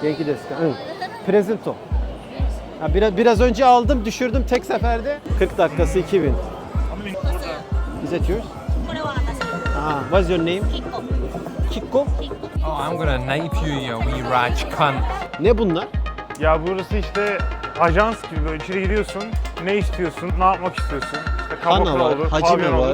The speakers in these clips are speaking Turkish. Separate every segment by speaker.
Speaker 1: Genki desu ka? Hı. Presento. Ha, biraz önce aldım, düşürdüm tek seferde. 40 dakikası 2000. Is that yours? Ah, what's your name? Kiko.
Speaker 2: Oh, I'm gonna knife you, you wee raj cunt.
Speaker 1: Ne bunlar?
Speaker 3: Ya burası işte ajans gibi, böyle içeri giriyorsun, ne istiyorsun, ne yapmak istiyorsun. İşte
Speaker 1: Hana
Speaker 3: kabakla
Speaker 1: var,
Speaker 3: olur,
Speaker 1: hacime
Speaker 3: pavyon
Speaker 1: var.
Speaker 3: olur.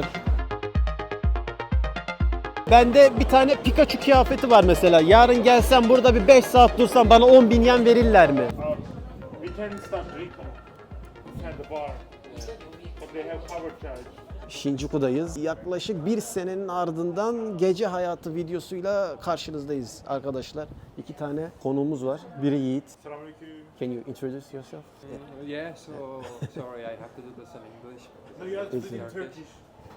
Speaker 1: Bende bir tane Pikachu kıyafeti var mesela. Yarın gelsem burada bir 5 saat dursam bana 10.000 yen verirler mi?
Speaker 3: We can start Rico at the bar. But they have cover charge.
Speaker 1: Shinjuku'dayız. Yaklaşık bir senenin ardından gece hayatı videosuyla karşınızdayız arkadaşlar. 2 tane konuğumuz var. Biri Yiğit.
Speaker 3: Selamünaleyküm.
Speaker 1: Can you introduce yourself?
Speaker 2: Yeah, so sorry, I have to do this in English.
Speaker 3: No, you have to speak in
Speaker 2: Turkish.
Speaker 3: Turkish.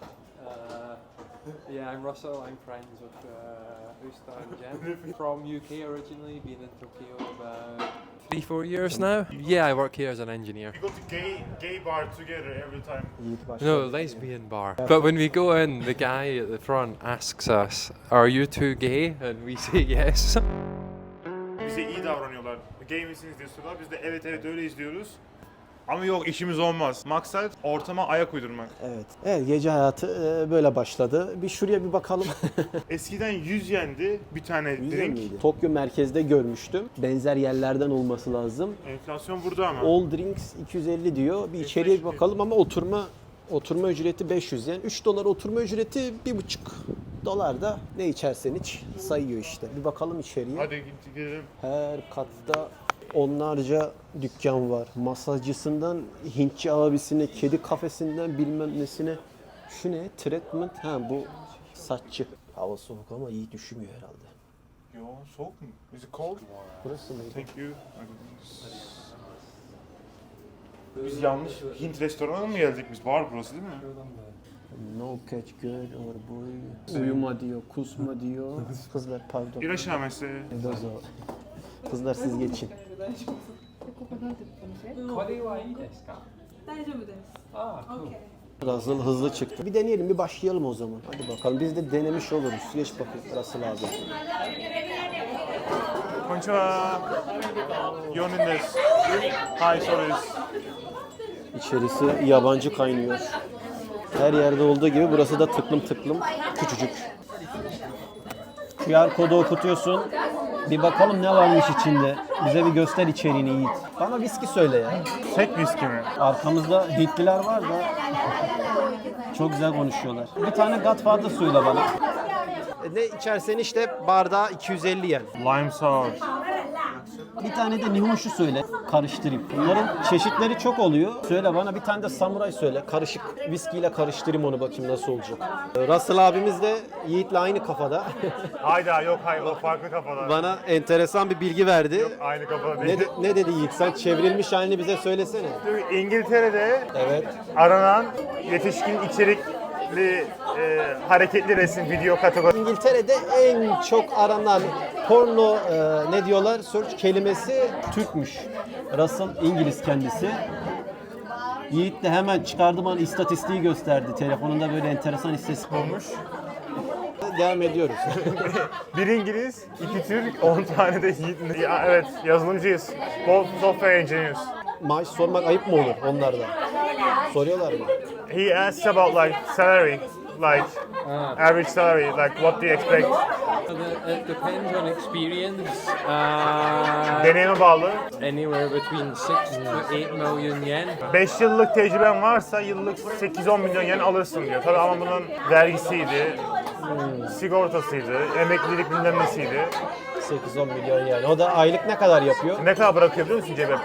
Speaker 2: Yeah, I'm Russell. I'm friends with Usta and Jem from UK originally. Been in Tokyo about 3-4 years now. Yeah, I work here as an engineer.
Speaker 3: We go to gay bar together every time.
Speaker 1: Yiğit başla.
Speaker 2: No, lesbian bar. But when we go in, the guy at the front asks us, "Are you two gay?" And we say yes.
Speaker 3: Bize iyi davranıyorlar. Gay misiniz diye soruyorlar. Biz de evet evet öyleyiz diyoruz. Ama yok, işimiz olmaz. Maksat ortama ayak uydurmak.
Speaker 1: Evet. Evet, gece hayatı böyle başladı. Bir şuraya bir bakalım.
Speaker 3: Eskiden 100 yendi bir tane
Speaker 1: Güzel
Speaker 3: drink.
Speaker 1: miydi? Tokyo merkezde görmüştüm. Benzer yerlerden olması lazım.
Speaker 3: Enflasyon burada ama.
Speaker 1: All drinks 250 diyor. Bir içeriye bir bakalım ama oturma ücreti 500 yen. 3 dolar oturma ücreti 1,5 dolar da ne içersen iç sayıyor işte. Bir bakalım içeriye.
Speaker 3: Hadi gidelim.
Speaker 1: Her katta onlarca dükkan var. Masajcısından Hintçi abisine, kedi kafesinden bilmem nesine. Şu ne? Treatment. Ha bu saççı. Hava soğuk ama iyi düşünmüyor herhalde.
Speaker 3: Yo, soğuk mu? Is it cold?
Speaker 1: Burası mı?
Speaker 3: Thank you. Biz yanlış Hint restoranına mı geldik biz? Bar burası değil mi?
Speaker 1: No catch girl or boy. Uyuma diyor, kusma diyor. Kızlar pardon.
Speaker 3: İraşamesi.
Speaker 1: Dozo. Kızlar siz geçin.
Speaker 2: これはいいですか？
Speaker 4: 大丈夫です。
Speaker 2: Ah, cool.
Speaker 1: Russell hızlı çıktı. Bir deneyelim, bir başlayalım o zaman. Hadi bakalım, biz de denemiş oluruz. Geç bakayım Russell abi.
Speaker 3: Konnichiwa. Yonin desu. Hi, sorry.
Speaker 1: İçerisi yabancı kaynıyor. Her yerde olduğu gibi burası da tıklım tıklım küçücük. QR kodu okutuyorsun. Bir bakalım ne varmış içinde. Bize bir göster içeriğini Yiğit. Bana viski söyle ya.
Speaker 3: Tek viski mi?
Speaker 1: Arkamızda Hintliler var da çok güzel konuşuyorlar. Bir tane Godfather söyle bana. Ne içersen işte bardağı 250 yen.
Speaker 3: Lime sour.
Speaker 1: Bir tane de Nihonshu söyle, karıştırayım. Bunların çeşitleri çok oluyor. Söyle bana bir tane de samuray söyle. Karışık viskiyle karıştırayım onu, bakayım nasıl olacak. Russell abimiz de Yiğit'le aynı kafada.
Speaker 3: Hayda yok hayır, o farklı kafada.
Speaker 1: Bana enteresan bir bilgi verdi.
Speaker 3: Aynı kafada değil.
Speaker 1: Ne dedi Yiğit? Sen çevrilmiş halini bize söylesene.
Speaker 3: İngiltere'de
Speaker 1: Evet.
Speaker 3: aranan yetişkin içerikli hareketli resim video kategorisi.
Speaker 1: İngiltere'de en çok aranan porno ne diyorlar? Search kelimesi Türkmüş. Russell İngiliz kendisi. Yiğit de hemen çıkardı bana istatistiği gösterdi. Telefonunda böyle enteresan istatistik olmuş. Devam ediyoruz.
Speaker 3: Bir İngiliz, 2 Türk, 10 tane de Yiğit. Ya, evet, yazılımcıyız. Both software engineers.
Speaker 1: Maaş sormak ayıp mı olur onlardan? Soruyorlar mı?
Speaker 3: He asks about like salary, like average salary, like what do you expect?
Speaker 2: It depends on experience.
Speaker 3: Deneyime bağlı.
Speaker 2: Anywhere between 6 to 8 million yen.
Speaker 3: 5 yıllık tecrüben varsa yıllık 8-10 milyon yen alırsın diyor. Tabii ama bunun vergisiydi, sigortasıydı, emeklilik bilmem nesiydi.
Speaker 1: 8-10 milyon yani. O da aylık ne kadar yapıyor?
Speaker 3: Ne kadar bırakıyor biliyor musun cebe?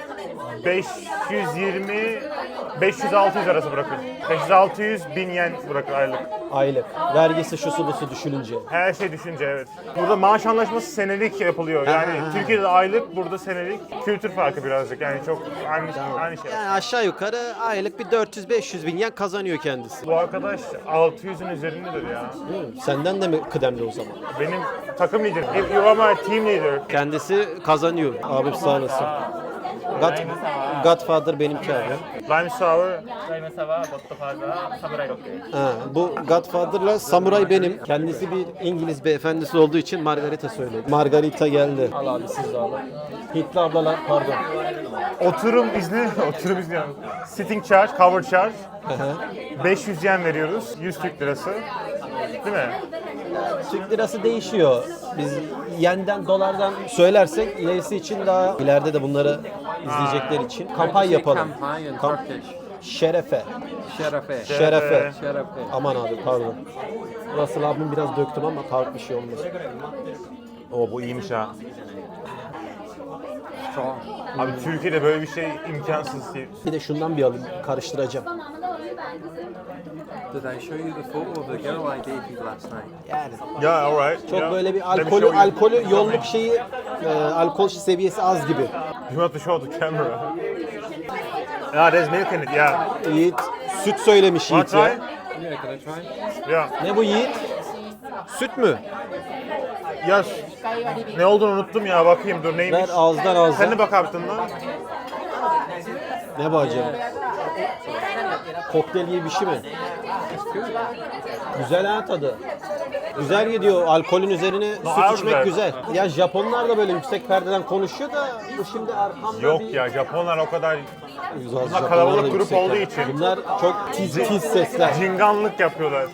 Speaker 3: 500-600 arası bırakır. 500-600 bin yen bırakır aylık.
Speaker 1: Aylık. Vergisi şusu busu düşününce.
Speaker 3: Her şey düşünce evet. Burada maaş anlaşması senelik yapılıyor. Yani Türkiye'de aylık, burada senelik. Kültür farkı birazcık. Yani çok aynı şey.
Speaker 1: Yani aşağı yukarı aylık bir 400-500 bin yen kazanıyor kendisi.
Speaker 3: Bu arkadaş 600'ün üzerindedir ya.
Speaker 1: Senden de mi kıdemli o zaman?
Speaker 3: Benim takım liderim. If you are my team leader.
Speaker 1: Kendisi kazanıyor. Abim sağ olasın. Godfather benimki abi.
Speaker 3: Lime sour.
Speaker 4: ライムサワー、ゴッドファーザー、サムライロッケ。
Speaker 1: Ha, bu Godfather'la Samuray benim. Kendisi bir İngiliz beyefendisi olduğu için Margarita söyledi. Margarita geldi. Al abi siz de alın. Hintli ablalar pardon.
Speaker 3: Oturum izni, oturum izni. Sitting charge, cover charge.
Speaker 1: Hı hı.
Speaker 3: 500 yen veriyoruz. 100 Türk lirası. Değil mi?
Speaker 1: Türk lirası değişiyor. Biz yenden dolardan söylersek ilerisi için daha ileride de bunları izleyecekler için kampanya yapalım.
Speaker 2: Campaign in
Speaker 1: Kamp-
Speaker 2: Turkish.
Speaker 1: Şerefe.
Speaker 2: Şerefe.
Speaker 1: Şerefe.
Speaker 2: Şerefe.
Speaker 1: Aman abi pardon. Russell abim biraz döktüm ama farklı bir şey olmaz.
Speaker 3: Oo bu iyiymiş ha.
Speaker 2: Strong.
Speaker 3: Abi Türkiye'de böyle bir şey imkansız ki.
Speaker 1: Bir de şundan bir alayım. Karıştıracağım.
Speaker 2: Did I show you the photo of the girl I dated last night?
Speaker 1: Yani
Speaker 3: Ya alright.
Speaker 1: çok
Speaker 3: Yeah.
Speaker 1: böyle bir
Speaker 3: Let me
Speaker 1: alkolü
Speaker 3: show you.
Speaker 1: alkolü yolluk şeyi alkol seviyesi az gibi.
Speaker 3: You have to show the camera. Yeah, there's milk in it. Yeah.
Speaker 1: Yiğit süt söylemiş
Speaker 3: Want
Speaker 1: Yiğit
Speaker 3: to
Speaker 1: ya.
Speaker 3: try?
Speaker 2: Yeah, can I try?
Speaker 3: Yeah.
Speaker 1: Ne bu Yiğit? Süt mü?
Speaker 3: Ya ne olduğunu unuttum ya. Bakayım dur neymiş.
Speaker 1: Ver ağızdan
Speaker 3: Sen de
Speaker 1: ağızdan.
Speaker 3: bak abi tadına.
Speaker 1: Ne bu acaba? Kokteyl gibi bir şey mi? Güzel ha tadı. Güzel gidiyor. Alkolün üzerine süt içmek
Speaker 3: güzel.
Speaker 1: güzel. Ya Japonlar da böyle yüksek perdeden konuşuyor da bu şimdi arkamda
Speaker 3: Yok
Speaker 1: bir...
Speaker 3: ya Japonlar o kadar
Speaker 1: Japonlar
Speaker 3: Bunlar
Speaker 1: da
Speaker 3: kalabalık grup
Speaker 1: yüksek
Speaker 3: olduğu
Speaker 1: perde.
Speaker 3: için.
Speaker 1: Bunlar çok tiz sesler.
Speaker 3: cinganlık yapıyorlar.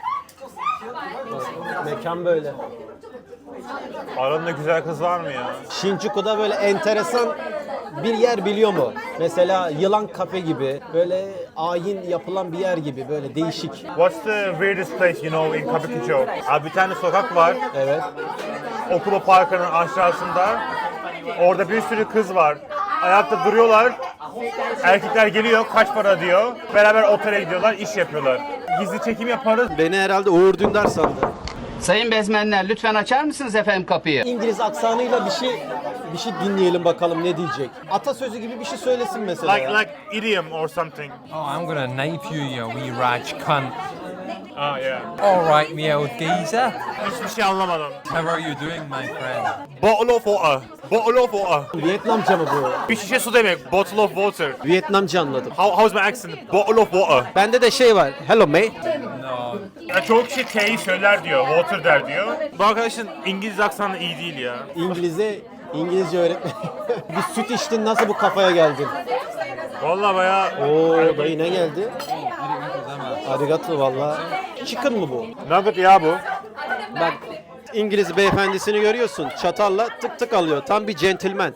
Speaker 1: Mekan böyle.
Speaker 3: Aranda güzel kız var mı ya?
Speaker 1: Shinjuku'da böyle enteresan bir yer biliyor mu? Mesela Yılan Kafe gibi, böyle ayin yapılan bir yer gibi, böyle değişik.
Speaker 3: What's the weirdest place you know in Kabukicho? Abi bir tane sokak var.
Speaker 1: Evet.
Speaker 3: Okula parkının aşağısında. Orada bir sürü kız var. Ayakta duruyorlar. Erkekler geliyor, kaç para diyor. Beraber otele gidiyorlar, iş yapıyorlar. Gizli çekim yaparız.
Speaker 1: Beni herhalde Uğur Dündar sandı.
Speaker 5: Sayın bezmenler lütfen açar mısınız efendim kapıyı?
Speaker 1: İngiliz aksanıyla bir şey dinleyelim bakalım ne diyecek. Atasözü gibi bir şey söylesin mesela.
Speaker 3: Like idiom or something.
Speaker 2: Oh, I'm gonna knife you, you wee raj cunt.
Speaker 3: Ah yeah.
Speaker 2: All right, me old geezer.
Speaker 3: Hiçbir şey anlamadım.
Speaker 2: How are you doing, my friend?
Speaker 3: Bottle of water. Bottle of water.
Speaker 1: Vietnamca mı bu?
Speaker 3: Bir şişe su demek. Bottle of water.
Speaker 1: Vietnamca anladım.
Speaker 3: How's my accent? Bottle of water.
Speaker 1: Bende de şey var. Hello mate.
Speaker 2: No.
Speaker 3: Ya çoğu kişi T'yi söyler diyor, water der diyor. Bu arkadaşın İngiliz aksanı iyi değil ya.
Speaker 1: İngilizce öğretmen. Bir süt içtin nasıl bu kafaya geldin?
Speaker 3: Vallahi bayağı
Speaker 1: Oo dayı ne geldi? Arigato valla. Chicken mı bu?
Speaker 3: nugget ya bu.
Speaker 1: Bak İngiliz beyefendisini görüyorsun. Çatalla tık tık alıyor. Tam bir gentleman.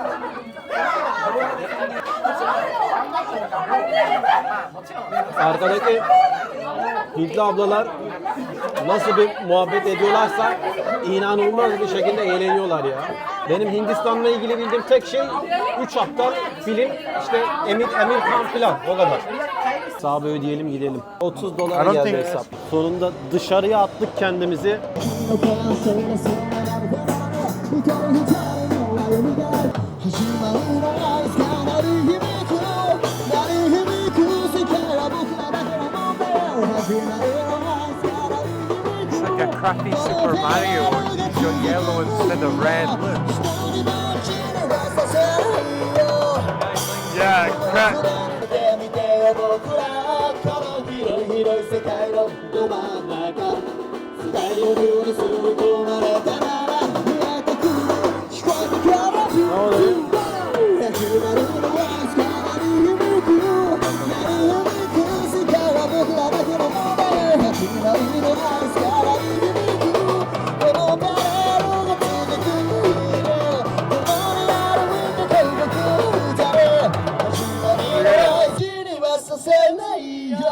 Speaker 1: Arkadaki Hintli ablalar nasıl bir muhabbet ediyorlarsa inanılmaz bir şekilde eğleniyorlar ya. Benim Hindistan'la ilgili bildiğim tek şey 3 aptal film işte Emir Khan filan o kadar. Hesabı ödeyelim gidelim. 30 dolar
Speaker 3: I don't
Speaker 1: geldi
Speaker 3: think-
Speaker 1: hesap. Sonunda dışarıya attık kendimizi.
Speaker 2: It's like a crappy Super Mario. You've got yellow instead of red.
Speaker 3: Yeah, crack.
Speaker 6: 僕らこの広い広い世界のど真ん中伝えように吸い込まれたなら見えてくる聞こえてくる始まるのは力に響く鳴り響く世界は僕らだけのもので始まるのは力に響くこのパレードが続く共に歩いて天国じゃね始まりの大事にはさせないよ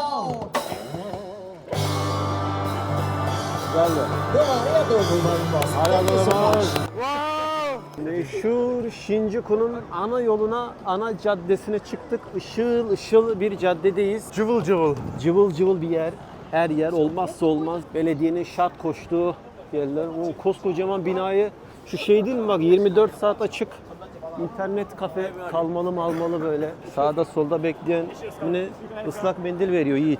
Speaker 6: どうもありがとうございますありがとうございます
Speaker 1: Meşhur Shinjuku'nun ana yoluna, ana caddesine çıktık. Işıl ışıl bir caddedeyiz.
Speaker 3: Cıvıl cıvıl.
Speaker 1: Cıvıl cıvıl bir yer. Her yer olmazsa olmaz. Belediyenin şart koştuğu yerler. O koskocaman binayı şu şey değil mi bak 24 saat açık. İnternet kafe kalmalı mı almalı böyle. Sağda solda bekleyen ne ıslak mendil veriyor Yiğit.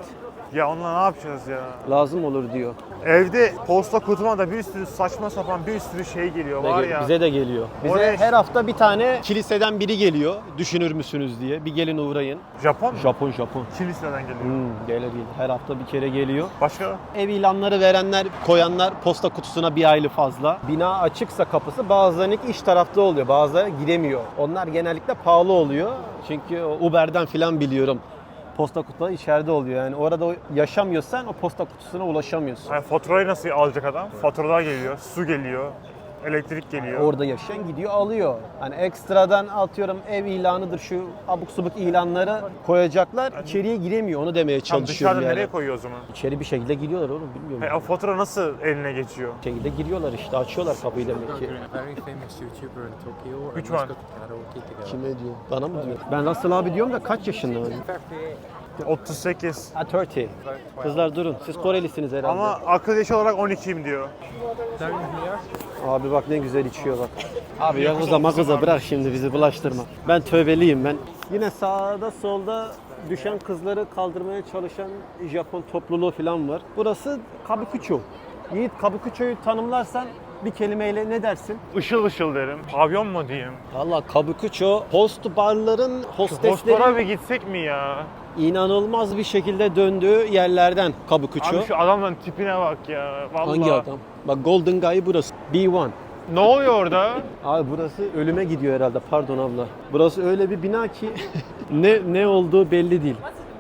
Speaker 3: Ya onunla ne yapacağız ya?
Speaker 1: Lazım olur diyor.
Speaker 3: Evde posta kutuma da bir sürü saçma sapan bir sürü şey geliyor var ya.
Speaker 1: Bize de geliyor. Bize
Speaker 3: Oraya-
Speaker 1: her hafta bir tane kiliseden biri geliyor. Düşünür müsünüz diye. Bir gelin uğrayın.
Speaker 3: Japon mu?
Speaker 1: Japon.
Speaker 3: Kiliseden geliyor.
Speaker 1: Gelir. Her hafta bir kere geliyor.
Speaker 3: Başka?
Speaker 1: Ev ilanları verenler, koyanlar posta kutusuna bir aylı fazla. Bina açıksa kapısı bazılarının iç tarafta oluyor. Bazıları giremiyor. Onlar genellikle pahalı oluyor. Çünkü Uber'den falan biliyorum. Posta kutuları içeride oluyor. Yani orada yaşamıyorsan o posta kutusuna ulaşamıyorsun.
Speaker 3: Yani faturayı nasıl alacak adam? Faturalar geliyor, su geliyor, elektrik geliyor.
Speaker 1: Orada yaşayan gidiyor alıyor. Hani ekstradan atıyorum ev ilanıdır şu abuk subuk ilanları koyacaklar. İçeriye giremiyor onu demeye
Speaker 3: Tam
Speaker 1: çalışıyorum
Speaker 3: dışarıda
Speaker 1: yani.
Speaker 3: nereye koyuyor o zaman?
Speaker 1: İçeri bir şekilde giriyorlar oğlum bilmiyorum.
Speaker 3: O fatura nasıl eline geçiyor?
Speaker 1: Bir şekilde giriyorlar işte açıyorlar kapıyı demek ki.
Speaker 2: Very famous YouTuber in Tokyo. and
Speaker 3: Which
Speaker 2: let's
Speaker 3: one?
Speaker 2: go to karaoke together.
Speaker 1: Kime diyor? Bana mı diyor? Ben Russell abi diyorum da kaç yaşında hani?
Speaker 3: 38.
Speaker 1: Ha 30. Kızlar durun. Siz Korelisiniz herhalde.
Speaker 3: Ama akıl yaşı olarak 12'yim diyor.
Speaker 2: Down here.
Speaker 1: Abi bak ne güzel içiyor bak. Abi ya kıza bırak şimdi bizi bulaştırma. Ben tövbeliyim ben. Yine sağda solda düşen kızları kaldırmaya çalışan Japon topluluğu falan var. Burası Kabukicho. Yiğit Kabukicho'yu tanımlarsan bir kelimeyle ne dersin?
Speaker 3: Işıl ışıl derim. Pavyon mu diyeyim?
Speaker 1: Valla Kabukicho host barların
Speaker 3: Hostlara
Speaker 1: hosteslerin
Speaker 3: bir gitsek mi ya?
Speaker 1: inanılmaz bir şekilde döndüğü yerlerden Kabukicho.
Speaker 3: Abi şu adamların tipine bak ya. Vallahi.
Speaker 1: Hangi adam? Bak Golden Guy burası. B1.
Speaker 3: Ne oluyor orada?
Speaker 1: Abi burası ölüme gidiyor herhalde. Pardon abla. Burası öyle bir bina ki ne olduğu belli değil.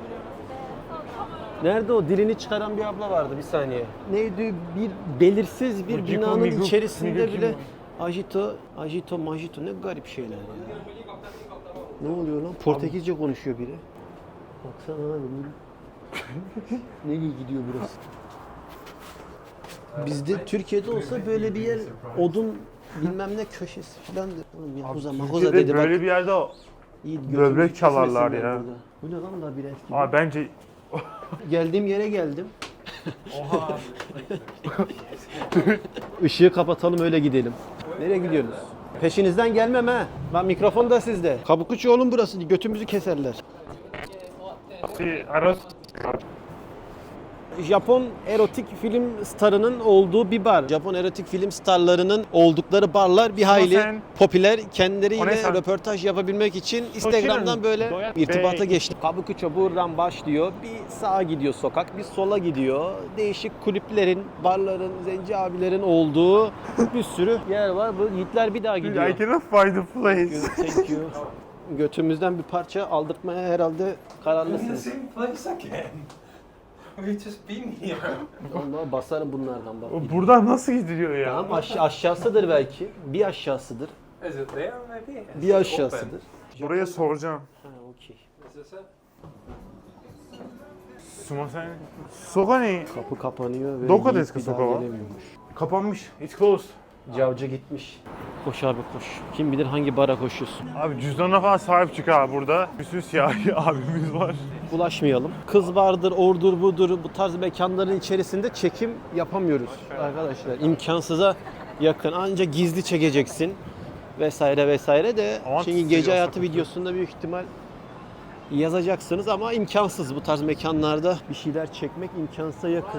Speaker 1: Nerede o dilini çıkaran bir abla vardı bir saniye. Neydi bir belirsiz bir
Speaker 3: Bu Ciko,
Speaker 1: binanın
Speaker 3: Migu,
Speaker 1: içerisinde
Speaker 3: Migu kim
Speaker 1: bile
Speaker 3: bu?
Speaker 1: majito ne garip şeyler ya. Ne oluyor lan? Portekizce konuşuyor biri. Baksana abi. Nereye gidiyor burası? Bizde Türkiye'de olsa böyle bir yer odun bilmem ne köşesi filandır. Oğlum Yakuza makuza
Speaker 3: Türkiye'de
Speaker 1: dedi bak.
Speaker 3: böyle bir yerde
Speaker 1: Yiğit,
Speaker 3: böbrek
Speaker 1: götümü
Speaker 3: çalarlar
Speaker 1: kesmesinler
Speaker 3: ya.
Speaker 1: burada. Bu ne lan labirent gibi.
Speaker 3: Abi bence
Speaker 1: Geldiğim yere geldim. Oha. Işığı kapatalım öyle gidelim. Nereye gidiyorsunuz? Peşinizden gelmem ha. Ben mikrofon da sizde. Kabukuçu oğlum burası. Götümüzü keserler.
Speaker 3: bir aras
Speaker 1: Japon erotik film starının olduğu bir bar. Japon erotik film starlarının oldukları barlar bir hayli
Speaker 3: sen-
Speaker 1: popüler.
Speaker 3: O ne
Speaker 1: Kendileriyle
Speaker 3: sen-
Speaker 1: röportaj yapabilmek için Instagram'dan böyle
Speaker 3: doyat-
Speaker 1: irtibata
Speaker 3: Bey.
Speaker 1: geçti. Kabukicho buradan başlıyor. Bir sağa gidiyor sokak, bir sola gidiyor. Değişik kulüplerin, barların, zenci abilerin olduğu bir sürü yer var. Bu yiğitler bir daha gidiyor.
Speaker 3: I cannot find the place.
Speaker 1: Thank you. Götümüzden bir parça aldırtmaya herhalde kararlısınız.
Speaker 2: same place again. We've just been here.
Speaker 1: Vallahi basarım bunlardan bak.
Speaker 3: Buradan nasıl gidiliyor ya?
Speaker 1: Tamam aşağısıdır belki. Bir aşağısıdır.
Speaker 2: Is it there maybe? Is
Speaker 1: Bir
Speaker 2: it
Speaker 1: aşağısıdır.
Speaker 3: Buraya soracağım.
Speaker 1: Ha okey.
Speaker 2: open? Is this it?
Speaker 3: Sumasen. Soka ne?
Speaker 1: Kapı kapanıyor ve
Speaker 3: Doko
Speaker 1: Yiğit
Speaker 3: desu ka,
Speaker 1: bir daha
Speaker 3: soka wa?
Speaker 1: gelemiyormuş.
Speaker 3: Kapanmış. It's closed.
Speaker 1: Cavcı gitmiş. Koş abi koş. Kim bilir hangi bara koşuyorsun.
Speaker 3: Abi cüzdanına falan sahip çık abi burada. Bir sürü siyahi abimiz var.
Speaker 1: Bulaşmayalım. Kız vardır, ordur budur. Bu tarz mekanların içerisinde çekim yapamıyoruz arkadaşlar. İmkansıza yakın. Ancak gizli çekeceksin. Vesaire vesaire de.
Speaker 3: Aman
Speaker 1: Çünkü gece
Speaker 3: tutuyor,
Speaker 1: hayatı
Speaker 3: sakın.
Speaker 1: videosunda büyük ihtimal yazacaksınız ama imkansız. Bu tarz mekanlarda bir şeyler çekmek imkansıza yakın.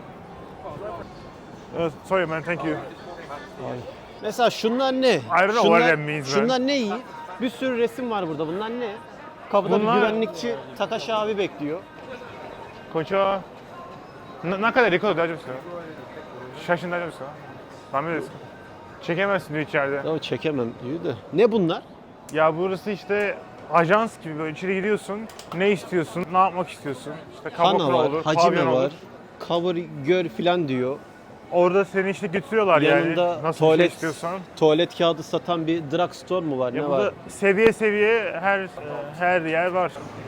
Speaker 3: Sorry man, thank you.
Speaker 1: Mesela şunlar ne?
Speaker 3: don't know what that means, man.
Speaker 1: Şunlar ne iyi? Bir sürü resim var burada. Bunlar ne? Kapıda
Speaker 3: Bunlar-
Speaker 1: bir güvenlikçi Takashi abi bekliyor.
Speaker 3: Konnichiwa. 中でレコード大丈夫ですか？写真大丈夫ですか？ダメですか？Çekemezsin diyor içeride.
Speaker 1: Ya çekemem diyor da. Ne bunlar?
Speaker 3: Ya burası işte ajans gibi böyle içeri giriyorsun. Ne istiyorsun? Ne yapmak istiyorsun? İşte
Speaker 1: Hana
Speaker 3: kabakla
Speaker 1: var,
Speaker 3: olur,
Speaker 1: hacime
Speaker 3: pavyon
Speaker 1: var,
Speaker 3: olur.
Speaker 1: cover gör filan diyor.
Speaker 3: Orada seni işte götürüyorlar
Speaker 1: Yanında
Speaker 3: yani. Nasıl bir şey
Speaker 1: tuvalet
Speaker 3: istiyorsan.
Speaker 1: tuvalet kağıdı satan bir drugstore mu var?
Speaker 3: Ya
Speaker 1: Ne
Speaker 3: burada
Speaker 1: var?
Speaker 3: seviye seviye her yer var.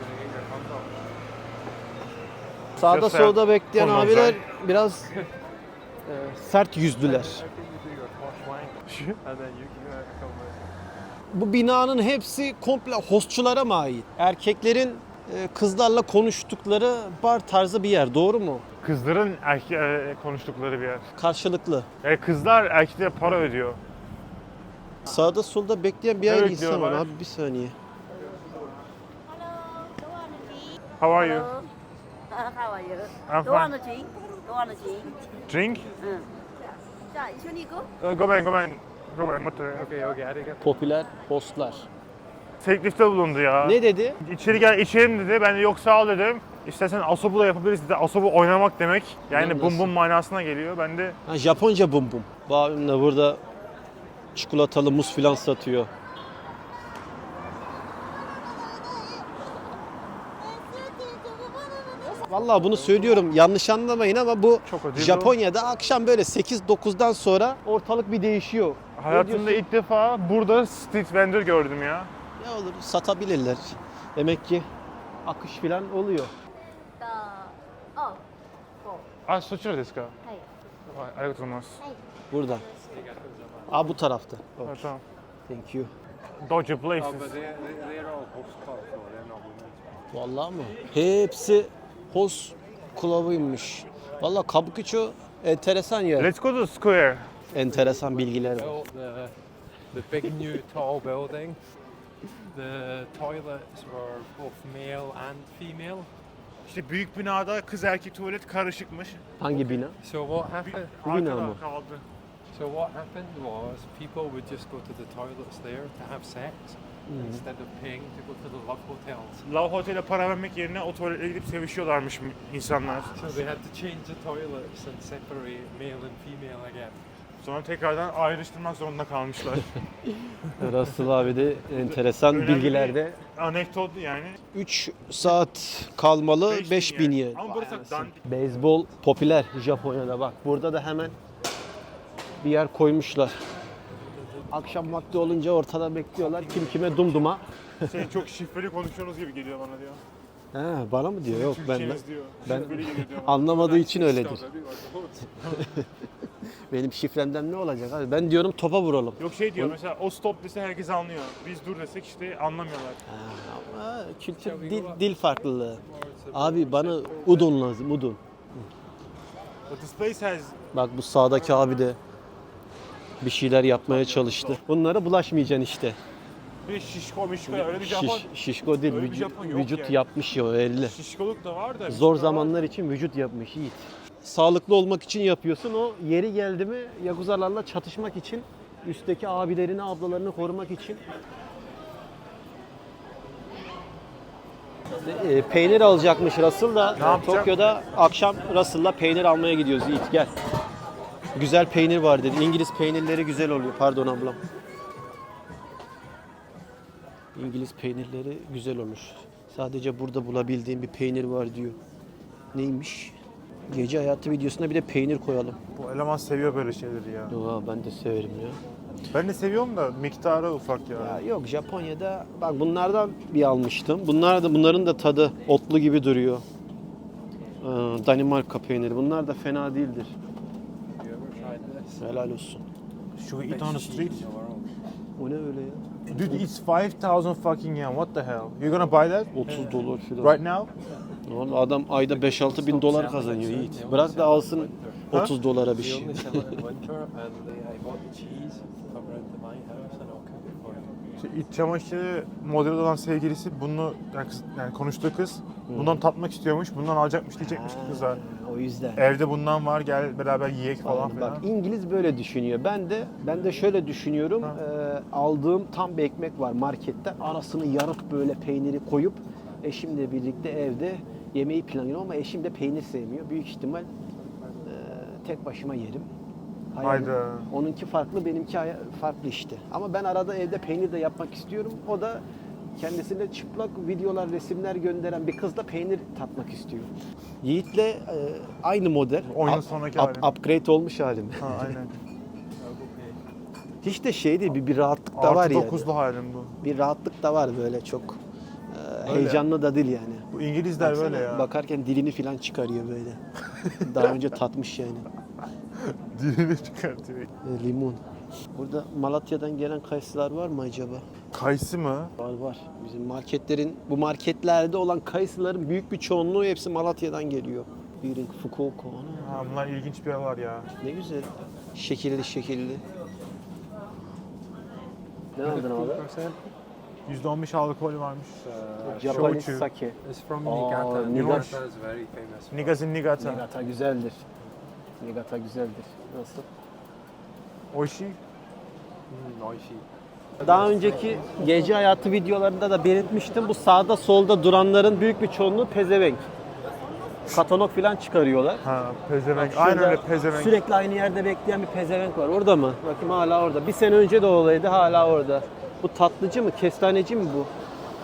Speaker 1: Sağda
Speaker 3: Just
Speaker 1: solda bekleyen
Speaker 3: Ondan
Speaker 1: abiler
Speaker 3: sonra-
Speaker 1: biraz sert yüzlüler.
Speaker 2: And then you can come
Speaker 1: Bu binanın hepsi komple hostçulara mı ait? Erkeklerin kızlarla konuştukları bar tarzı bir yer, doğru mu?
Speaker 3: Kızların konuştukları bir yer.
Speaker 1: Karşılıklı.
Speaker 3: Yani kızlar erkeklere para ödüyor.
Speaker 1: Sağda solda bekleyen bir
Speaker 3: Ne
Speaker 1: aile insan var
Speaker 3: bekliyorlar?
Speaker 1: abi bir saniye.
Speaker 3: How are you?
Speaker 7: How are you?
Speaker 3: I'm
Speaker 7: Don't want
Speaker 3: fine.
Speaker 7: to drink? Don't want to drink?
Speaker 3: Drink?
Speaker 7: 자, 이순이고?
Speaker 3: Go back.
Speaker 2: Okay, okay, arigato.
Speaker 1: Popüler hostlar.
Speaker 3: Teklifte bulundu ya.
Speaker 1: Ne dedi?
Speaker 3: İçeri gel içelim dedi. Ben de yok sağ ol dedim. İstersen asobu da yapabiliriz dedi. Asobu oynamak demek. Yani
Speaker 1: Nasıl?
Speaker 3: bum bum manasına geliyor. Ben de
Speaker 1: Ha, Japonca bum bum. Bu abim de burada çikolatalı muz filan satıyor. Vallahi bunu söylüyorum, yanlış anlamayın ama bu
Speaker 3: Çok ödül
Speaker 1: Japonya'da akşam böyle 8-9'dan sonra ortalık bir değişiyor. Ne
Speaker 3: hayatımda
Speaker 1: diyorsun?
Speaker 3: ilk defa burada street vendor gördüm ya.
Speaker 1: Ne olur satabilirler. Demek ki akış filan oluyor.
Speaker 3: Ah, soçur desu ka?
Speaker 7: はい。
Speaker 3: ありがとうございます。
Speaker 1: Burada. Aa, bu tarafta. Oh,
Speaker 3: Ha, tamam.
Speaker 1: thank you.
Speaker 3: Dodger places.
Speaker 2: Oh, but they're all host clubs, so they're not women's.
Speaker 1: Vallahi mı? Hepsi host club'ıymış. Vallahi Kabukicho enteresan yer.
Speaker 3: Let's go to square.
Speaker 1: Enteresan bilgiler var.
Speaker 2: Built the big new tall building. The toilets were both male and female.
Speaker 3: İşte büyük binada kız erkek tuvalet karışıkmış.
Speaker 1: Hangi bina?
Speaker 2: So what happened?
Speaker 1: Bu bina
Speaker 3: Arkada
Speaker 1: mı?
Speaker 3: kaldı.
Speaker 2: So what happened was people would just go to the toilets there to have sex instead of paying to go to the love hotels.
Speaker 3: Love Hotel'e para vermek yerine o tuvaletlere gidip sevişiyorlarmış insanlar.
Speaker 2: So they had to change the toilets and separate male and female again.
Speaker 3: Sonra tekrardan ayrıştırmak zorunda kalmışlar.
Speaker 1: Russell abi de enteresan
Speaker 3: Önemli
Speaker 1: bilgilerde.
Speaker 3: bir anekdot yani.
Speaker 1: 3 saat kalmalı 5000 yen.
Speaker 3: Ama burası dandik.
Speaker 1: Beyzbol popüler Japonya'da, bak burada da hemen bir yer koymuşlar. Akşam vakti olunca ortada bekliyorlar, kim kime dumduma.
Speaker 3: Çok şifreli konuşuyorsunuz gibi geliyor bana diyor.
Speaker 1: He, bana mı diyor? Yok, ben
Speaker 3: Türkçeniz diyor.
Speaker 1: ben
Speaker 3: Şifreli geliyor diyor bana.
Speaker 1: anlamadığı için öyledir. Benim şifremden ne olacak abi? Ben diyorum topa vuralım.
Speaker 3: Yok şey diyor mesela o stop dese herkes anlıyor. Biz dur desek işte anlamıyorlar.
Speaker 1: Ama kültür, dil farklılığı. Abi bana udon lazım, udon.
Speaker 3: But this place has
Speaker 1: Bak bu sağdaki abi de bir şeyler yapmaya çalıştı. Bunlara bulaşmayacaksın işte.
Speaker 3: bir şişko mişko öyle bir Japon.
Speaker 1: Şişko değil,
Speaker 3: Öyle bir Japon yok
Speaker 1: vücut
Speaker 3: yani.
Speaker 1: yapmış ya o elli.
Speaker 3: Şişkoluk da var da.
Speaker 1: Zor
Speaker 3: mişko da var.
Speaker 1: zamanlar için vücut yapmış Yiğit. Sağlıklı olmak için yapıyorsun, o yeri geldi mi yakuzalarla çatışmak için, üstteki abilerini, ablalarını korumak için. Peynir alacakmış Russell da
Speaker 3: yapacak?
Speaker 1: Tokyo'da akşam Russell'la peynir almaya gidiyoruz Yiğit, gel. Güzel peynir var dedi. İngiliz peynirleri güzel oluyor. Pardon ablam. İngiliz peynirleri güzel olur. Sadece burada bulabildiğim bir peynir var diyor. Neymiş? Gece hayatı videosuna bir de peynir koyalım.
Speaker 3: Bu eleman seviyor böyle şeyleri ya.
Speaker 1: Yo, ben de severim ya.
Speaker 3: Ben de seviyorum da miktarı ufak ya.
Speaker 1: Ya yok, Japonya'da bak bunlardan bir almıştım. Bunların da tadı otlu gibi duruyor. Danimarka peyniri. Bunlar da fena değildir.
Speaker 2: Have you ever tried this?
Speaker 1: Helal olsun.
Speaker 3: Should we eat on the street?
Speaker 1: O ne öyle ya?
Speaker 3: Dude, it's 5,000 fucking yen. What the hell? You're gonna buy that?
Speaker 1: 30 dolar falan.
Speaker 3: Right now?
Speaker 1: Oğlum adam ayda 5-6 bin dolar kazanıyor Yiğit. Bırak da alsın 30 dolara bir
Speaker 2: They
Speaker 1: şey.
Speaker 2: only sell it in winter, and I bought the cheese to come round to my house, and I'll cook it for you.
Speaker 3: İşte iç çamaşırı model olan sevgilisi bunu yani konuştuğu kız bundan tatmak istiyormuş, bundan alacakmış diyecekmiş kıza.
Speaker 1: O yüzden.
Speaker 3: Evde bundan var, gel beraber yiyek falan filan.
Speaker 1: Bak İngiliz böyle düşünüyor. Ben de şöyle düşünüyorum. Aldığım tam bir ekmek var markette. Arasını yarıp böyle peyniri koyup eşimle birlikte evde yemeği planlıyorum ama eşim de peynir sevmiyor. Büyük ihtimal tek başıma yerim.
Speaker 3: Hayda.
Speaker 1: Onunki farklı, benimki farklı işte. Ama ben arada evde peynir de yapmak istiyorum. O da kendisine çıplak videolar, resimler gönderen bir kızla peynir tatmak istiyor. Yiğit'le aynı model.
Speaker 3: Oyunun sonraki halim.
Speaker 1: Upgrade olmuş halim.
Speaker 3: Ha aynen.
Speaker 1: Hiç de şey değil, bir rahatlık da var
Speaker 3: Artı
Speaker 1: yani.
Speaker 3: 9'lu halim bu.
Speaker 1: Bir rahatlık da var böyle çok.
Speaker 3: Öyle.
Speaker 1: Heyecanlı da değil yani.
Speaker 3: Bu İngilizler böyle ya.
Speaker 1: Bakarken dilini falan çıkarıyor böyle. Daha önce tatmış yani.
Speaker 3: Dilini çıkartıyor.
Speaker 1: Limon. Burada Malatya'dan gelen kayısılar var mı acaba?
Speaker 3: Kayısı mı?
Speaker 1: Var. Bizim bu marketlerde olan kayısıların büyük bir çoğunluğu hepsi Malatya'dan geliyor. Biri Fukuoka. Ana,
Speaker 3: Ha, bunlar ilginç bir yerler ya.
Speaker 1: ne güzel. Şekilli. Ne aldın abi?
Speaker 3: %15 alkol varmış.
Speaker 1: Japanese
Speaker 3: Shochu.
Speaker 1: sake.
Speaker 2: It's from
Speaker 1: Oh,
Speaker 2: Niigata.
Speaker 1: Niigata.
Speaker 2: Niigata is very famous.
Speaker 3: Niigata Niigata.
Speaker 1: Niigata güzeldir. Niigata güzeldir. Nasıl?
Speaker 3: Oishi.
Speaker 2: Oishi.
Speaker 1: Daha önceki gece hayatı videolarında da belirtmiştim. Bu sağda solda duranların büyük bir çoğunluğu pezevenk. Katalog falan çıkarıyorlar.
Speaker 3: Ha, pezevenk.
Speaker 1: Şurada
Speaker 3: Aynen öyle pezevenk.
Speaker 1: Sürekli aynı yerde bekleyen bir pezevenk var. Orada mı? Bakayım hala orada. Bir sene önce de olaydı, hala orada. Bu tatlıcı mı? Kestaneci mi bu?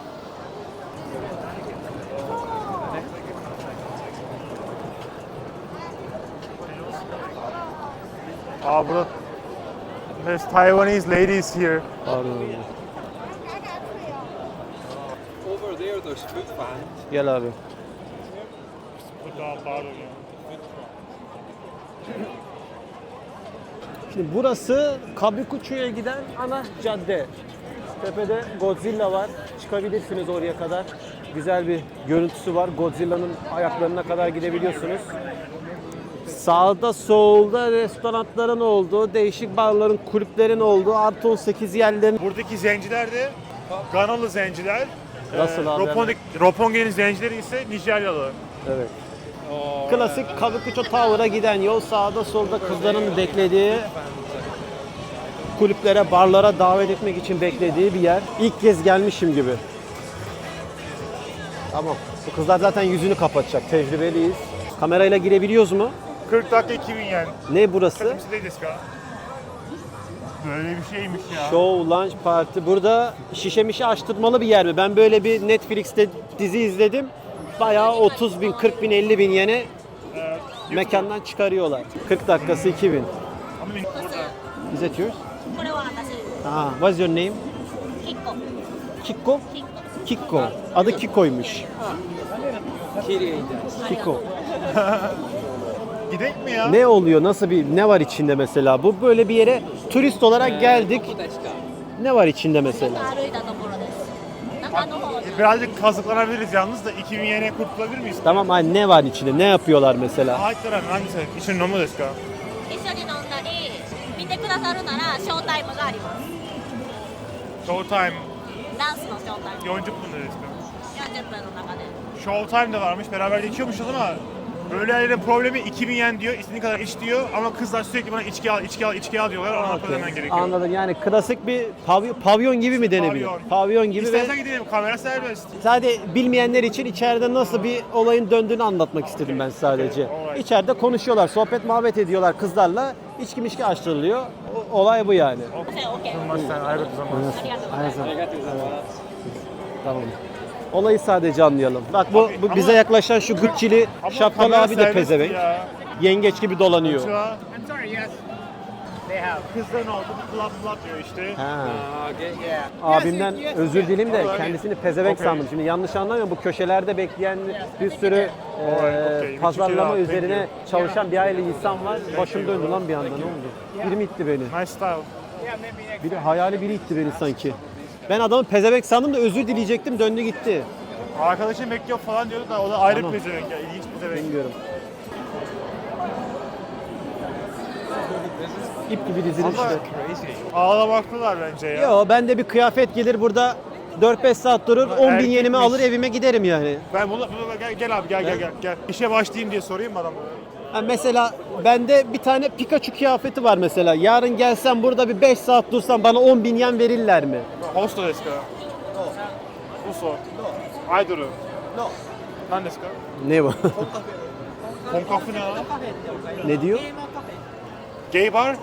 Speaker 3: Burada there's Taiwanese ladies here.
Speaker 1: Pardon.
Speaker 2: Over there, there's food fans.
Speaker 1: Gel abi.
Speaker 3: Bu daha pardon ya.
Speaker 1: Şimdi burası Kabukicho'ya giden ana cadde. Tepede Godzilla var. Çıkabilirsiniz oraya kadar. Güzel bir görüntüsü var. Godzilla'nın ayaklarına kadar gidebiliyorsunuz. Sağda solda restoranların olduğu, değişik barların, kulüplerin olduğu, artı 18 yerlerin.
Speaker 3: Buradaki zenciler de Ganalı zenciler.
Speaker 1: Nasıl abi?
Speaker 3: Roppongi'nin zencileri ise Nijeryalı.
Speaker 1: Evet. Klasik Kabukicho Tower'a giden yol, sağda solda kızların beklediği, kulüplere, barlara davet etmek için beklediği bir yer. İlk kez gelmişim gibi. Tamam. Bu kızlar zaten yüzünü kapatacak. Tecrübeliyiz. Kamerayla girebiliyoruz mu?
Speaker 3: 40 dakika 2000 yen.
Speaker 1: Ne burası?
Speaker 3: Kızımsı değil deska. Böyle bir şeymiş ya.
Speaker 1: Show Lunch Party. Burada şişe mişe açtırmalı bir yer mi? Ben böyle bir Netflix'te dizi izledim. Bayağı 30 bin, 40 bin, 50 bin yene mekandan çıkarıyorlar. 40 dakikası 2000.
Speaker 3: Ama burada.
Speaker 1: Is that yours?
Speaker 7: これは私です
Speaker 1: Ah, what's your name?
Speaker 7: 結構
Speaker 1: Kiko? Kiko. Adı Kiko'ymuş. Kiko.
Speaker 3: Gidek mi ya?
Speaker 1: Ne oluyor? Nasıl ne var içinde mesela? Bu böyle bir yere turist olarak geldik. Ne var içinde mesela?
Speaker 7: 歩いたところです中の方に
Speaker 3: Birazcık kazıklanabiliriz yalnız da 2000 yene kurtulabilir miyiz?
Speaker 1: Tamam, hani ne var içinde? Ne yapıyorlar mesela?
Speaker 3: 入ったら何ですか一緒に飲むですか
Speaker 7: 一緒に飲んだり見てくださるならショータイムがあります
Speaker 3: ショータイム
Speaker 7: ダンスのショータイム
Speaker 3: 40分でですか
Speaker 7: 40分の中で
Speaker 3: ショータイムde varmış beraber de içiyormuşuz ama böyle yerlerin problemi 2000 yen diyor istediğin kadar iç diyor ama kızlar sürekli bana içki al içki al içki al diyorlar ona para ödemen gerekiyor.
Speaker 1: Anladım, yani klasik bir pavyon gibi mi denebilir?
Speaker 3: Pavyon.
Speaker 1: Pavyon gibi ve
Speaker 3: İstersen gidelim kamera serbest.
Speaker 1: sadece bilmeyenler için içeride nasıl bir olayın döndüğünü anlatmak istedim ben sadece.
Speaker 3: alright.
Speaker 1: İçeride konuşuyorlar, sohbet muhabbet ediyorlar kızlarla. İçki mişki açtırılıyor. Olay bu yani.
Speaker 3: すみませんありがとうございます。
Speaker 7: ありがとうございます
Speaker 1: Tamam. Olayı sadece anlayalım. Bak bu
Speaker 3: Ama-
Speaker 1: bize yaklaşan şu Gucci'li
Speaker 3: Ama
Speaker 1: şapkalı
Speaker 3: kamera
Speaker 1: abi de
Speaker 3: serbest
Speaker 1: pezevenk.
Speaker 3: ya.
Speaker 1: Yengeç gibi dolanıyor.
Speaker 3: Konnichiwa. Kızların oldu flap diyor işte.
Speaker 1: Ha.
Speaker 2: Okay.
Speaker 1: Abimden özür dileyim de kendisini pezevenk sandım. Şimdi yanlış anlamayın, bu köşelerde bekleyen bir sürü
Speaker 3: okay.
Speaker 1: pazarlama
Speaker 3: Thank you.
Speaker 1: üzerine çalışan bir aile insan var. Başım döndü lan bir anda, ne oldu? Biri mi itti beni?
Speaker 3: Nice style.
Speaker 1: Biri, hayali biri itti beni sanki. Ben adamı pezevenk sandım da özür dileyecektim, döndü gitti.
Speaker 3: Arkadaşım bekliyor falan diyordu da o da ayrı
Speaker 1: Tamam.
Speaker 3: bir pezevenk ya. İlginç pezevenk.
Speaker 1: Bilmiyorum. İp gibi dizilmiş
Speaker 3: Ama
Speaker 1: işte.
Speaker 3: ağlamaklılar bence ya.
Speaker 1: Yo, ben de bir kıyafet gelir burada 4-5 saat durur, 10 bin
Speaker 3: Erkekmiş.
Speaker 1: yenimi alır evime giderim yani.
Speaker 3: Ben bunu gel abi gel. İşe başlayayım diye sorayım mı adamı?
Speaker 1: Ha, mesela bende bir tane Pikachu kıyafeti var mesela. Yarın gelsem burada bir 5 saat dursam bana 10 bin yen verirler mi?
Speaker 3: Hosto desu ka? Uso. Aidoru.
Speaker 1: No.
Speaker 3: Nan desu ka?
Speaker 1: Ne bu?
Speaker 3: Konkafu ne lan?
Speaker 1: Ne diyor?
Speaker 3: Gay bar?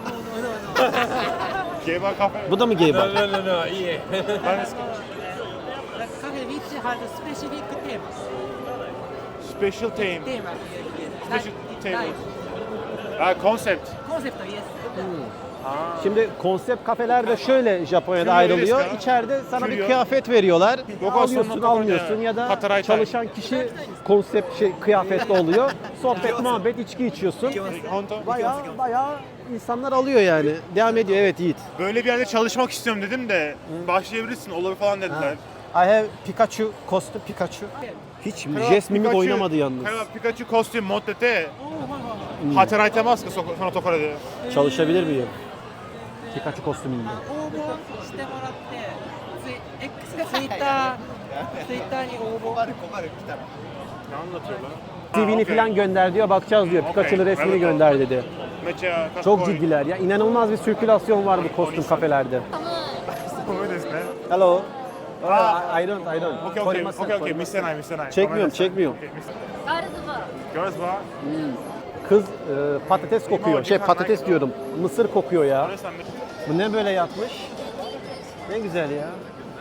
Speaker 3: Gay bar kafe.
Speaker 1: Bu da mı gay bar?
Speaker 2: No, yeah.
Speaker 3: Nan desu ka?
Speaker 8: The cafe which has a specific theme.
Speaker 3: Special theme.
Speaker 8: Theme.
Speaker 3: Special
Speaker 8: Like
Speaker 3: table. Ha concept.
Speaker 8: concept, yes.
Speaker 1: Şimdi konsept kafeler de şöyle Japonya'da
Speaker 3: Küryo
Speaker 1: ayrılıyor.
Speaker 3: desu ka?
Speaker 1: İçeride sana bir
Speaker 3: Küryo.
Speaker 1: kıyafet veriyorlar.
Speaker 3: Yok,
Speaker 1: Alıyorsun,
Speaker 3: aslında
Speaker 1: almıyorsun
Speaker 3: kapalı.
Speaker 1: ya da
Speaker 3: Kataray
Speaker 1: çalışan kişi konsept kıyafetli oluyor. Sohbet, muhabbet, içki içiyorsun.
Speaker 3: Honto.
Speaker 1: Bayağı insanlar alıyor yani. Devam ediyor, evet Yiğit.
Speaker 3: Böyle bir yerde çalışmak istiyorum dedim de başlayabilirsin olur falan dediler.
Speaker 1: I have Pikachu kostüm, Pikachu. Hiç jest mimik oynamadı yalnız.
Speaker 3: Pikachu kostüm moddete hataraite masu ka sono tokoro de.
Speaker 1: Çalışabilir miyim? Pikachu kostümünde.
Speaker 8: 応募してもらって、 ツイッターに応募。
Speaker 3: Ne anlatıyorlar?
Speaker 1: TV'ni falan gönder diyor, bakacağız diyor. Pikachu'lu resmini gönder dedi. Çok ciddiler ya. İnanılmaz bir sirkülasyon var bu kostüm kafelerde. Hello. I don't.
Speaker 3: Okey. Misenay.
Speaker 1: Çekmiyorum.
Speaker 3: Girls bar.
Speaker 1: Kız patates kokuyor. Patates diyorum. Mısır kokuyor ya. Bu ne böyle yapmış? Ne güzel ya.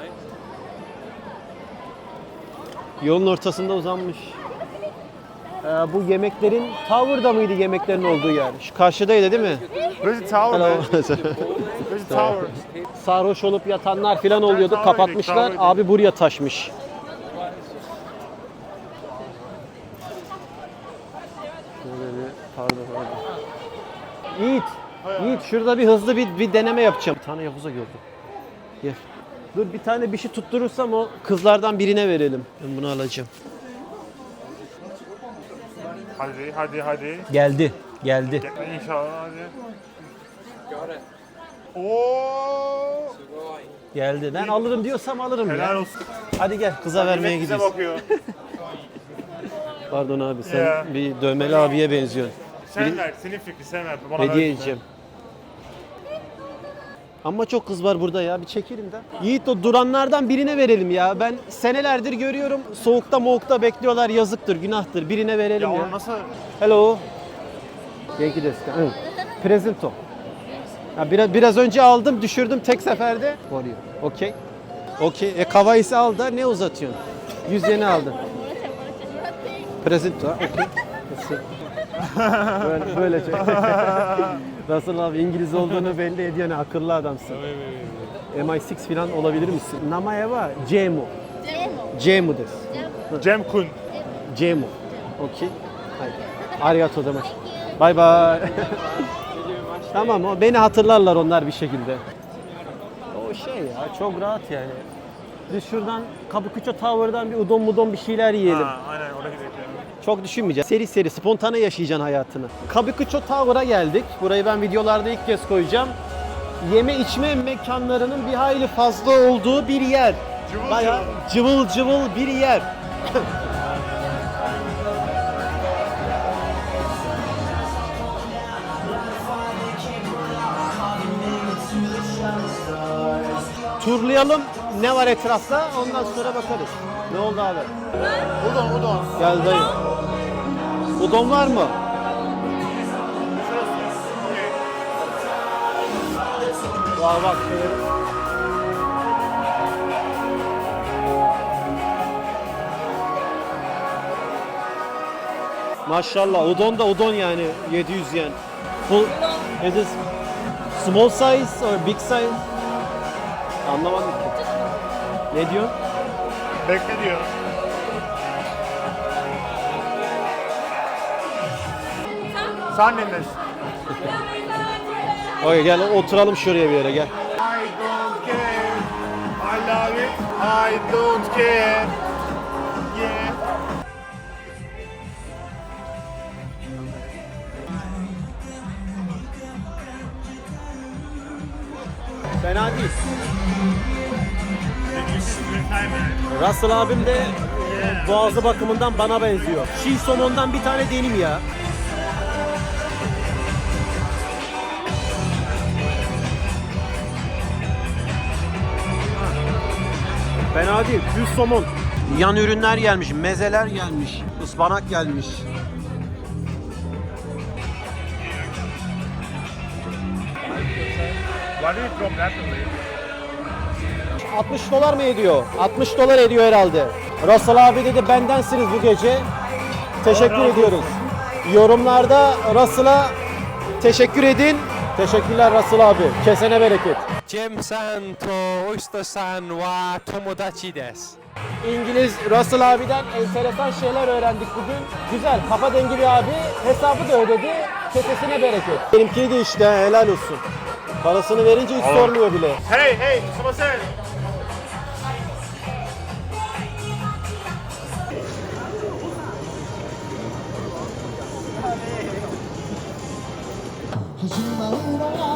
Speaker 1: Yolun ortasında uzanmış. Bu yemeklerin Tower'da mıydı yemeklerin olduğu yer? Şu karşıdaydı değil mi?
Speaker 3: Where's the tower,
Speaker 1: Hello.
Speaker 3: man? Where's the tower?
Speaker 1: Sarhoş olup yatanlar falan oluyordu.
Speaker 3: Tower'daydı,
Speaker 1: Kapatmışlar.
Speaker 3: Tower'daydı.
Speaker 1: Abi buraya taşmış. Pardon. Yiğit şurada bir hızlı bir deneme yapacağım. Bir tane Yahuza gördüm. Gel. Dur bir tane bir şey tutturursam o kızlardan birine verelim. Ben bunu alacağım.
Speaker 3: Hadi.
Speaker 1: Geldi.
Speaker 3: İnşallah hadi. Oo!
Speaker 1: Geldi. Ben alırım diyorsam alırım
Speaker 3: Helal
Speaker 1: ya.
Speaker 3: olsun.
Speaker 1: Hadi gel kıza vermeye
Speaker 3: Millet bize
Speaker 1: gidiyoruz.
Speaker 3: bakıyor.
Speaker 1: Pardon abi sen
Speaker 3: Ya.
Speaker 1: bir dövmeli abiye benziyorsun.
Speaker 3: Sen ver, senin fikrin sen ver. Bana
Speaker 1: Hediye
Speaker 3: ver.
Speaker 1: edeceğim. Ama çok kız var burada ya. Bir çekelim de. Yiğit o duranlardan birine verelim ya. Ben senelerdir görüyorum. Soğukta moğukta bekliyorlar. Yazıktır, günahtır. Birine verelim
Speaker 3: Ya
Speaker 1: ya.
Speaker 3: onu nasıl?
Speaker 1: Hello. Genki desu ka? Presento. Ya biraz önce aldım, düşürdüm tek seferde. Varıyor. Okey. Okey. Kavayisi al da ne uzatıyorsun? 100 yeni aldın. Presento. Okey. Böyle şey. Nasıl abi İngiliz olduğunu belli ediyor, ne akıllı adamsın. MI6 falan olabilir misin? Namae wa Jemu. Jemu desu.
Speaker 3: Cem Kun.
Speaker 1: Jemu. Okey. Haydi. Arigato demek. Bye bye. Tamam o beni hatırlarlar onlar bir şekilde. O şey ya çok rahat yani. Biz şuradan Kabukicho Tower'dan bir udon bir şeyler yiyelim.
Speaker 3: Ha, aynen oraya gidelim.
Speaker 1: Çok düşünmeyeceğiz. Seri spontane yaşayacaksın hayatını. Kabukicho Tower'a geldik. Burayı ben videolarda ilk kez koyacağım. Yeme içme mekanlarının bir hayli fazla olduğu bir yer. Bayağı cıvıl bir yer. Turlayalım ne var etrafta, ondan sonra bakarız. Ne oldu abi?
Speaker 3: Udon.
Speaker 1: Gel dayı. Udon var mı? Bak. Maşallah udon da udon yani 700 yen. Full, is it small size or big size? Anlamadım ki. Ne diyor?
Speaker 3: Bekle diyor. Sen neredesin?
Speaker 1: Okey gel oturalım şuraya bir yere gel.
Speaker 3: I don't care. I love it. I don't care. Yeah.
Speaker 1: Fena değil. Russell abim de boğazı bakımından bana benziyor. Çiğ somondan bir tane deneyim ya. Fena değil. Düz somon. Yan ürünler gelmiş, mezeler gelmiş, ıspanak gelmiş.
Speaker 3: Why do you drop that away?
Speaker 1: 60 dolar mı ediyor? 60 dolar ediyor herhalde. Russell abi dedi bendensiniz bu gece. Teşekkür ediyoruz. Yorumlarda Russell'a teşekkür edin. Teşekkürler Russell abi. Kesene bereket.
Speaker 2: Jem-san to Oyster-san wa tomodachi desu.
Speaker 1: İngiliz Russell abiden enteresan şeyler öğrendik bugün. Güzel, kafa dengi bir abi. Hesabı da ödedi. Kesesine bereket. Benimki de işte helal olsun. Parasını verince hiç sormuyor bile.
Speaker 3: Hey, sumasen.
Speaker 6: 始まるのは